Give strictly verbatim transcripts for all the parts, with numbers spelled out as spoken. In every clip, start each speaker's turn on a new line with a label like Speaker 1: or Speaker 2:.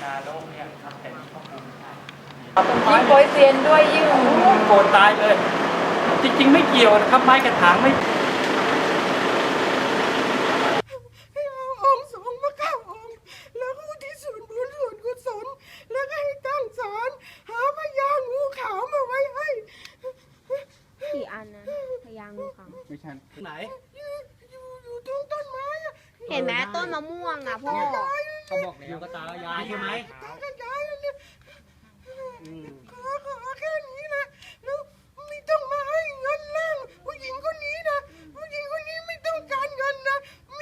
Speaker 1: นาโลกเนี่ยทำแต่นี้ก็คุ้มได้
Speaker 2: ยิ่งโปรยเซียนด้วยยิ่ง
Speaker 1: โกรธตายเลย จริงๆไม่เกี่ยวนะครับไม้กระถางไม่
Speaker 3: ให้เอาองค์สงฆ์มาเก้าองค์แล้วก็อุที่ส่วนบุญส่วนกุศลแล้วก็ให้ตั้งศาลหาพญางูขาวมาไว้ให้
Speaker 4: กี่อันนะพยางงูขาว
Speaker 5: ไม่ใช่ไหน
Speaker 3: อยู่อยู่อยู่ตรงต้นไม้อะ
Speaker 4: เห็นไหมต้นมะม่วงอ่ะพ่อ
Speaker 1: เขาบอกแล้วก็ตายายใช่ไหม
Speaker 3: ตากระจายอันเนี่ยขอขอแค่นี้นะแล้วไม่ต้องมาให้เงินล่างผู้หญิงคนนี้นะผู้หญิงคนนี้ไม่ต้องการเงินนะมี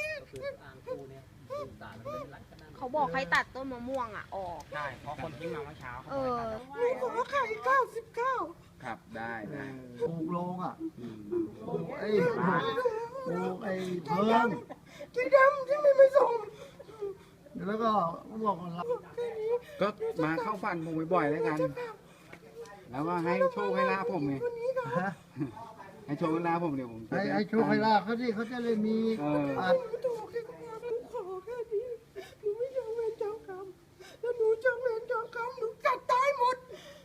Speaker 4: เขาบอกให้ตัดต้นมะม่วงอ่ะออก
Speaker 1: ใช่เพราะคนทิ้งมาเมื่อเช้า
Speaker 4: เออ
Speaker 3: ขอไข่เก้าสิบเก้า
Speaker 5: ครับได้ได้
Speaker 6: ปลูกโรงอ่ะปลูกไอ้ปลูกไอ้เพิง
Speaker 3: ที่ดำที่ไม่ไม่ส่ง
Speaker 6: แล้วก็บอกว่ารับ
Speaker 5: ก็มาเข้าฝันผมบ่อยๆแล้วกัน แล้วก็ให้โชคให้ลาภผมไง
Speaker 6: ฮะ
Speaker 5: ให้โชคให้ลาภผมเดี๋ยวผมจะ
Speaker 6: ไอ้
Speaker 5: ด้
Speaker 6: ไอ้ชูไคลาเขาที่เขาจะเลยมี
Speaker 5: เออ
Speaker 6: อัด
Speaker 3: หนูถูกแค่หนูขอแค่นี้หนูไม่ยอมเวรเจ้ากรรมแล้วหนูจะเวรเจ้ากรรมหนูกัดตายหมด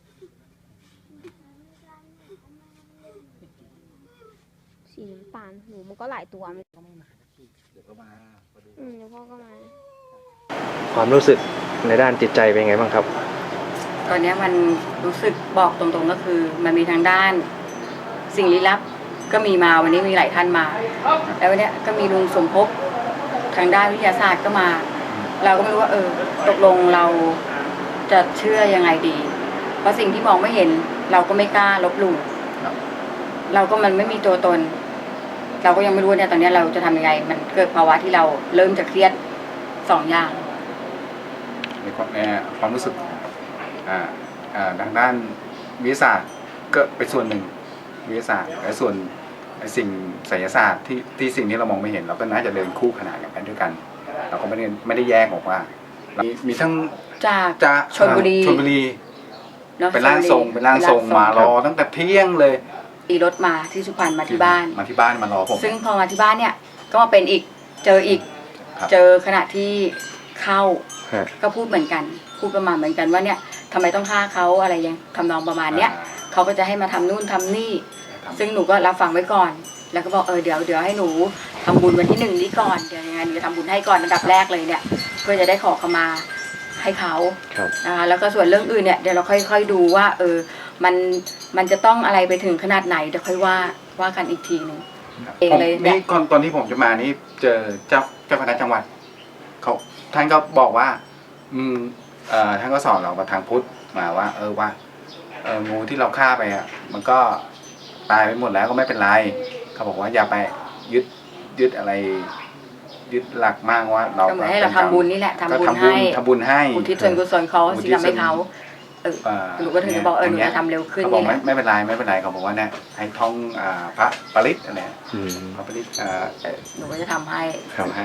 Speaker 4: สีน้ำตาลหนูมันก็หลายตัวมัน
Speaker 5: เดี๋ยวก็มาพอดี
Speaker 4: อืมเดี๋ยวพ่อก็มา
Speaker 7: ความรู้สึกในด้านจิตใจเป็นไงบ้างครับ
Speaker 2: ตอนนี้มันรู้สึกบอกตรงๆก็คือ มันมีทางด้านสิ่งลี้ลับก็มีมาวันนี้มีหลายท่านมา แล้ววันนี้ก็มีลุงสมภพทางด้านวิทยาศาสตร์ก็มา เราก็ไม่รู้ว่าเออตกลงเราจะเชื่อยังไงดี เพราะสิ่งที่มองไม่เห็นเราก็ไม่กล้าลบหลู่เราก็มันไม่มีตัวตน เราก็ยังไม่รู้เนี่ยตอนนี้เราจะทำยังไง มันเกิดภาวะที่เราเริ่มจะเครียดสองอย่าง
Speaker 5: ในความในความรู้สึกอ่าอ่าทางด้านวิทยาศาสตร์ก็เป็นส่วนหนึ่งวิทยาศาสตร์และส่วนไอ้สิ่งไสยศาสตร์ที่ที่สิ่งที่เรามองไม่เห็นเราก็น่าจะเดินคู่ขนานกันไปด้วยกัน เราก็ไม่ได้ไม่ได้แยกออกว่ามีมีทั้ง
Speaker 2: จาก
Speaker 5: จะ
Speaker 2: ชลบุรี
Speaker 5: ชลบุรี
Speaker 2: อะ
Speaker 5: เป็นร่างทรงเป็นร่างทรงมารอตั้งแต่เที่ยงเลย
Speaker 2: ตีรถมาที่สุพรรณมาที่บ้าน
Speaker 5: มาที่บ้านมารอผม
Speaker 2: ซึ่งพอมาที่บ้านเนี่ยก็มาเป็นอีกเจออีก
Speaker 5: ครับ
Speaker 2: เจอขณะที่เข้า
Speaker 7: ฮะ
Speaker 2: ก็พูดเหมือนกัน พูดประมาณเหมือนกันว่าเนี่ยทำไมต้องฆ่าเขาอะไรยังทำนองประมาณเนี้ยเขาก็จะให้มาทำนู่นทำนี่
Speaker 5: ครับ
Speaker 2: ซึ่งหนูก็รับฟังไว้ก่อน แล้วก็บอกเออเดี๋ยวเดี๋ยวให้หนูทำบุญวันที่หนึ่งนี้ก่อนเดี๋ยวยังไงหนูจะทำบุญให้ก่อนอันดับแรกเลยเนี่ยเพื่อจะได้ขอเขามาให้เขา
Speaker 7: ครับ
Speaker 2: นะคะแล้วก็ส่วนเรื่องอื่นเนี่ยเดี๋ยวเราค่อยๆดูว่าเออมันมันจะต้องอะไรไปถึงขนาดไหนเดี๋ยวค่อยว่าว่ากันอีกทีหนึ่ง เอง
Speaker 5: ผม
Speaker 2: เลยเนี่ย
Speaker 5: นี่ก่อนตอนที่ผมจะมานี่เจอเจ้าเจ้าคณะจังหวัดเขาท่านก็บอกว่า อืมเอ่อท่านก็สอนเรามาทางพุทธมาว่า เออว่าเอองูที่เราฆ่าไปอ่ะ มันก็ตายไปหมดแล้วก็ไม่เป็นไรเขาบอกว่าอย่าไปยึดยึดอะไร ยึดหลักมากว่าเรา
Speaker 2: ก็เหมือนให้เราทำบุญนี่แหละทำ
Speaker 5: ก็
Speaker 2: บุญ
Speaker 5: ทำบุ
Speaker 2: ให้
Speaker 5: ญทำบุญให้
Speaker 2: อุทิศส่วนกุศลเขา
Speaker 5: อุทิ
Speaker 2: ที่
Speaker 5: ศ
Speaker 2: ทำให้เขาเออ
Speaker 5: เอ่อ
Speaker 2: หนูก็ถึงจะบอกเออหนู
Speaker 5: ย่าง
Speaker 2: จะ
Speaker 5: งี้ย
Speaker 2: ทำเร็วขึ้น
Speaker 5: เขาบอก
Speaker 2: นี่แห
Speaker 5: ไม่
Speaker 2: ละ
Speaker 5: ไม่เป็นไรไม่เป็นไรเขาบอกว่าเนี่ยให้ท่องอ่าพระปริตอะไร
Speaker 7: อืม
Speaker 5: พระปริตอ่าเอ่อ
Speaker 2: หนูก็จะทำให้
Speaker 7: ครับ
Speaker 5: ให้